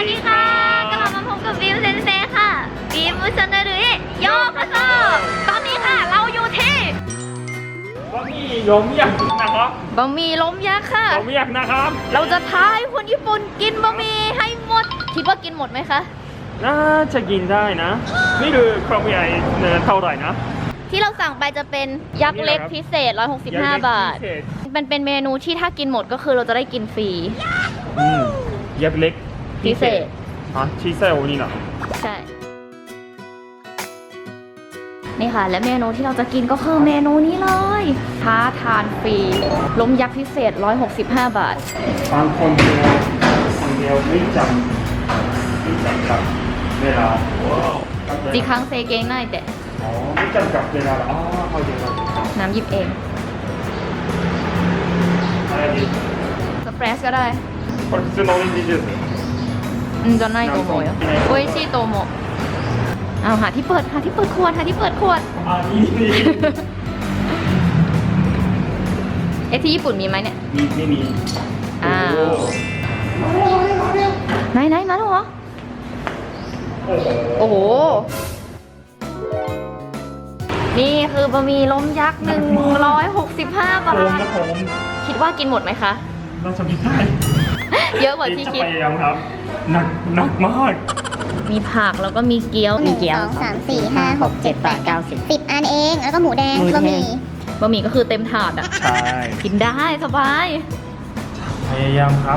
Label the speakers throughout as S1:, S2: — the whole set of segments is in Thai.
S1: วัสดีค่ะกลับมาพบกับบิวเซนเซค่ะบิวชนรุยโยกโซตอนนี้ค่ะเราอยู่ที่
S2: บะหมี่ล้มยักษ์นะครับ
S1: บะหมี่ล้มยักษ์ค่ะ
S2: ล้มยักษ์นะครับ
S1: เราจะท้าให้คนญี่ปุ่นกินบะหมี่ให้หมดคิดว่ากินหมดไหมคะ
S2: น่าจะกินได้นะนี่คือความใหญ่เท่าไหร่นะ
S1: ที่เราสั่งไปจะเป็นยักษ์เล็กพิเศษ165 บาทมันเป็นเมนูที่ถ้ากินหมดก็คือเราจะได้กินฟรี
S2: ยักษ์เล็ก
S1: พิเศษ
S2: พิเศษโอนี่นะ
S1: ใช่ นี่ค่ะและเมนูที่เราจะกินก็คือเมนูนี้เลยท้าทานฟรีล้มยักษ์พิเศษ165 บาท
S2: บางคนเดียวไม่จำกับเวลา
S1: จีคังเซเกงง่ายแต่
S2: อ๋อไม่จำกับเวลาอ๋อเข้าใจแล้ว
S1: น้ำหยิบเอง
S2: อะไรดี
S1: สเปรสก็ได้
S2: これ普通のオレンジジュース
S1: じゃないと思うよ美味しいと思うเอาหาที่เปิดขวด
S2: あいいね
S1: ที่ญี่ปุ่นมีไหมเนี่ย
S2: ไม่มี
S1: อ้าวไหนมาแล้วเหรอ โอ้โห นี่คือบะหมี่ล้มยักษ์165 บาท คิดว่ากินหมดไหมคะ
S2: น่าจะมีได้
S1: เยอะกว่าที่คิด
S2: จะพยายามครับหนักมาก
S1: มีผักแล้วก็มีเกี๊ยว
S3: 1 2 3 4 5 6 7 8 9 10 10 อันเอง แล้วก็หมูแดงบะหมี่
S1: บะหมี่ก็คือเต็มถาดอ่ะ
S2: ใช่
S1: กินได้สบาย
S2: พยายามครับ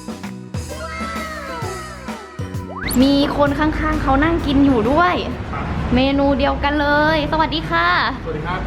S1: มีคนข้างๆเขานั่งกินอยู่ด้วย เมนูเดียวกันเลย สวัสดีค่ะ
S4: สวัสดีครับ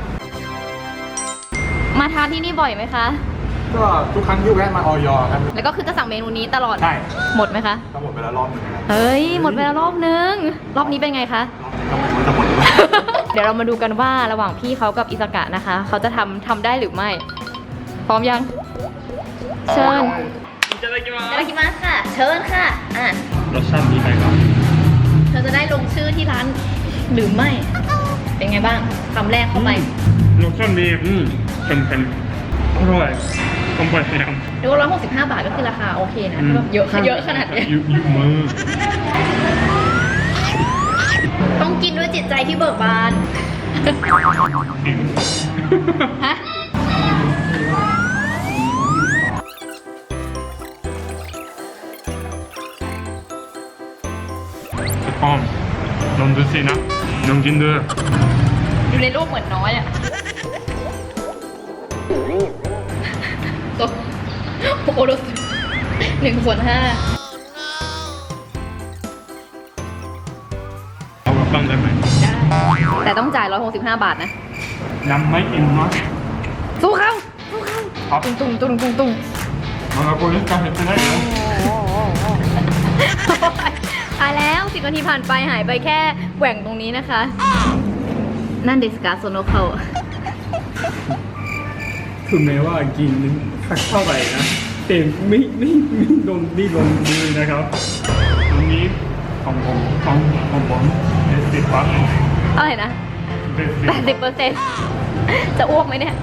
S1: มาทานที่นี่บ่อยไหมคะ
S4: ก็ทุกครั้งที่แวะมาออยครับ
S1: แล้วก็คือจะสั่งเมนูนี้ตลอด
S4: ใช่
S1: หมดไหมคะ
S4: ก็หมดไปแล้วรอบหนึ่งนะครับ
S1: เฮ้ย หมดไปแล้วรอบนึง รอบนี้เป็นไงคะ
S4: รอบนี้ก็ไม่รู้จะหมดหรือเปล่า
S1: เดี๋ยวเรามาดูกันว่าระหว่างพี่เขากับอิสกะนะคะ เขาจะทำได้หรือไม่ พร้อมยัง เชิญ
S2: いただきま
S1: いただきますค่ะ เชิญค่ะ
S2: รสชาติดีไหมครับ
S1: เธอจะได้ลงชื่อที่ร้านหรือไม่ เป็นไงบ้างคำแรกเข้าไป
S2: รสชาติดีเป็นอร่อยต้องไปพยายาม
S1: ดู165 บาทก็คือราคาโอเคนะแบบเยอะขนาดนี้
S2: เยอะมาก
S1: ต้องกินด้วยจิตใจที่เบิกบาน ฮะ
S2: อ้อมลองดูสินะลองกินดู
S1: อยู่ในรูปเหมือนน้อยอ่ะตัวโอ้โห1/5
S2: เอากลับบ้านได้ไหม
S1: แต่ต้องจ่าย165 บาทนะ
S2: ยังไม่กินนะ
S1: สู้เขา
S2: ครับ
S1: ตุ้ง
S2: มันก็ควรจะเห็นได้แล้ว
S1: ตายแล้ว10 นาทีผ่านไปหายไปแค่แหว่งตรงนี้นะคะ นั่นเดสกาโซโนเขา
S2: คือแม้ว่ากินเท่าไหร่นะแต่ไม่โดนดีลงมือนะครับตรงนี้ของผมติดปั๊บ
S1: อะไรนะ 80%จะอ้วกไหมเนี่ย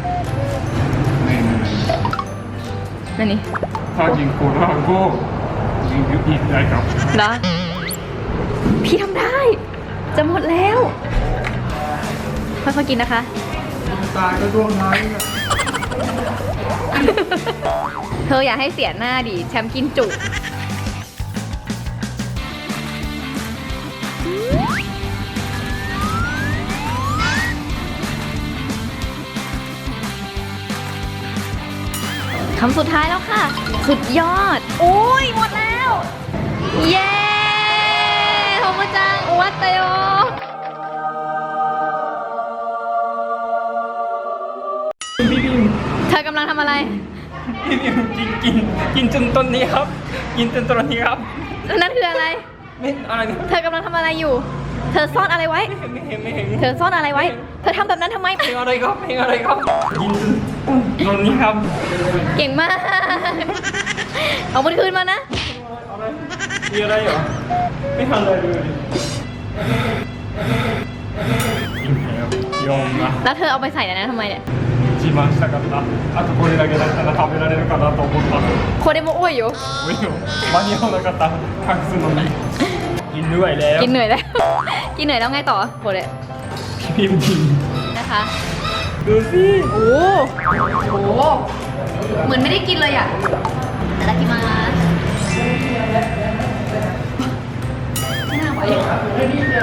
S1: นั่นนี่
S2: ถ้ากินโคลาก็ยิงอีกได้ครับ
S1: เหรอ พี่ทำได้ จะหมดแล้ว ค่อยๆกินนะคะ
S4: ตายก็ร่วงน้อย
S1: เธออย่าให้เสียหน้าดิแชมป์กินจุคำสุดท้ายแล้วค่ะ สุดยอด โอ้ยหมดแล้ว เย้โทโมจังอวัตโตโย
S2: พี่บิม
S1: เธอกำลังทำอะไร
S2: พี่บิมกินจนต้นนี้ครับ กินจนต้นนี้ครับ
S1: นั่นคืออะไร
S2: ไม่อะไรนะ
S1: เธอกำลังทำอะไรอยู่ เธอซ่อนอะไรไว้
S2: ไม่เห็น
S1: เธอซ่อนอะไรไว้ เธอทำแบบนั้นทำไม
S2: เพลงอะไรครับกินจนต้นนี้ครับ
S1: เก่งมาก เอามันคืนมานะ
S2: มีอะไรเหรอไม่ทำอะไรเลยกินแล้วยอมนะ
S1: แล้วเธอเอาไปใส่ในนั้นทำไมเนี่ย
S2: ฉ一番したかったあとこれだけだったら食べられるかなと思った
S1: โคเดโมโอ้ยอยู่
S2: 無理よ間に合わなかった隠すのにกินด้วยแล้ว
S1: กินเหนื่อยแล้ว กินเหนื่อยแล้วไงต่อโคเด
S2: พิมพ์ดี
S1: นะคะ
S2: ดูสิ
S1: โอ้โหเหมือนไม่ได้กินเลยอ่ะแต่ละกิมาไม่น่าไหว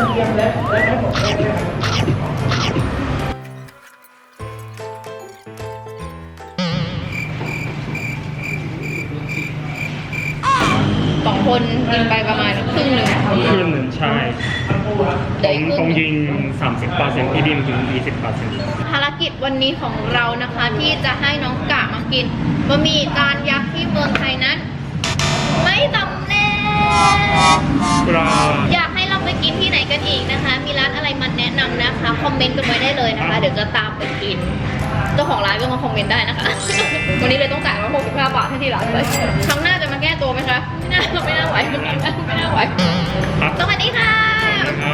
S1: สองคนกินไปประมาณครึ่งหนึ่ง
S2: ครึ่งหนึ่งใช่
S1: เดี๋ยวอีกครึ่ง
S2: ต้องยิง 30%พี่ดิมถึง 20%
S1: ภารกิจวันนี้ของเรานะคะที่จะให้น้องกะมากินบะหมี่จานยักษ์ที่เมืองไทยนั้น ไม่สำเร็จ
S2: ปลา
S1: อยากให้เราไปกินที่ไหนกันอีกนะคะ มีร้านอะไรมาแนะนำนะคะ คอมเมนต์กันไว้ได้เลยนะคะ เดี๋ยวจะตามไปกิน เจ้าของร้านก็มาคอมเมนต์ได้นะคะ วันนี้เลยต้องจ่ายมา65 บาทให้ที่ร้านเลยครั้งหน้าจะมาแก้ตัวไหมคะ ไม่น่าไหวไม่น่าไหว
S2: ครับ
S1: สวัสดีค่ะ
S2: ครับ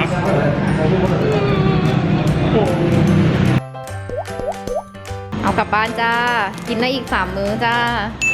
S1: เอากลับบ้านจ้า กินได้อีก3 มื้อจ้า